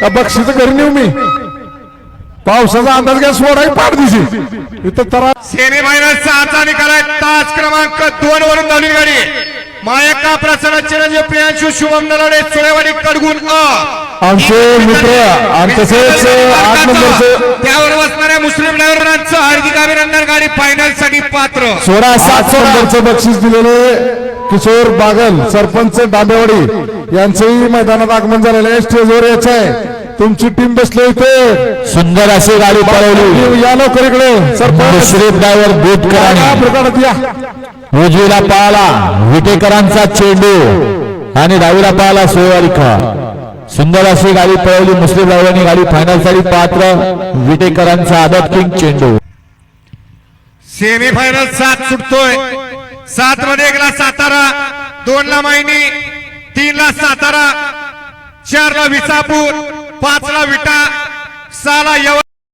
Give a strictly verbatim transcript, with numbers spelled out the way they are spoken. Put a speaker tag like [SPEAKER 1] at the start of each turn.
[SPEAKER 1] बक्षीस घरी नेऊ मी पावसाचा अंदाज घ्या सोडाय पाठ दिशी इथं तरा
[SPEAKER 2] सेमी फायनल सहाचा निकाल आहे तास क्रमांक दोन वरून धावली गाडी मायका प्रसन्न चिरंजीव प्रियांशु शुभम नलावडे सुळेवाडी कडगुण अ
[SPEAKER 1] आमचे मित्र आणि तसेच आठ नंबरचे
[SPEAKER 2] त्यावर बसणाऱ्या मुस्लिम ड्रायव्हरांचं हार्दिक अभिनंदन गाडी फायनल साठी पात्र
[SPEAKER 1] सोळा सात नंबरचं बक्षीस दिलेले किशोर बागल सरपंच डांबेवाडी यांचंही मैदानात आगमन झालेलं आहे स्टेजवर यायचं आहे तुमची टीम बसली इथे
[SPEAKER 3] सुंदर अशी गाडी पळवली
[SPEAKER 1] या लवकर इकडे सरपंच
[SPEAKER 3] श्रीफ ड्रायव्हर बोटकर
[SPEAKER 1] या
[SPEAKER 3] उजवीला पाहला विटेकरांचा चेंडू आणि डावीला पाहला सोयवालिका सुंदर अशी गाडी पळवली मुस्लिम ड्रायव्हरनी गाडी फायनल साठी पात्र विटेकरांचा आदत किंग चेंडू
[SPEAKER 2] सेमी फायनल सात सुटतोय सात मध्ये एकला सातारा दोन ला मायनी तीन ला सातारा चार ला विसापूर पाच ला विटा सहा ला